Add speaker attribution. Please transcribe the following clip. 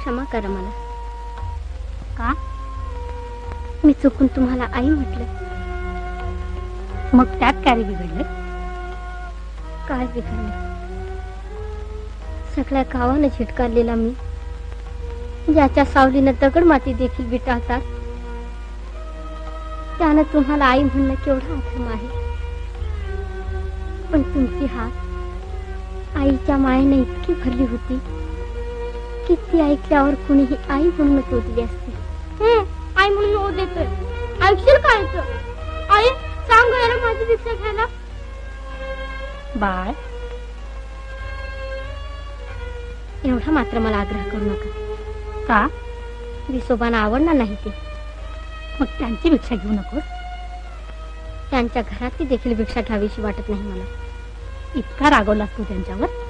Speaker 1: क्षमा करा मला.
Speaker 2: का?
Speaker 1: मी चुकून तुम्हाला आई म्हटलं.
Speaker 2: मग त्यात काय बिघडलं?
Speaker 1: काय बिघडलं? सगळ्या गावानं झिटकारलेला मी, ज्याच्या सावलीनं दगड माती देखील विटाळतात, त्यानं तुम्हाला आई म्हणणं केवढा अधर्म आहे. पण तुमची हात आईच्या मायेने इतकी भरली होती की ती ऐकल्यावर कुणीही आई म्हणूनच ओढली असती. आई म्हणून ओ देतोय. ऐकशील काय? आई सांग याला माझी भिक्षा घ्यायला.
Speaker 2: बाळ,
Speaker 1: एवढा मात्र मला आग्रह करू नका.
Speaker 2: का?
Speaker 1: विसोबांना आवडणार नाही ते.
Speaker 2: मग त्यांची भिक्षा घेऊ नकोस?
Speaker 1: त्यांच्या घरातली देखील भिक्षा घ्यावीशी वाटत नाही मला.
Speaker 2: इतका रागवलास तू त्यांच्यावर?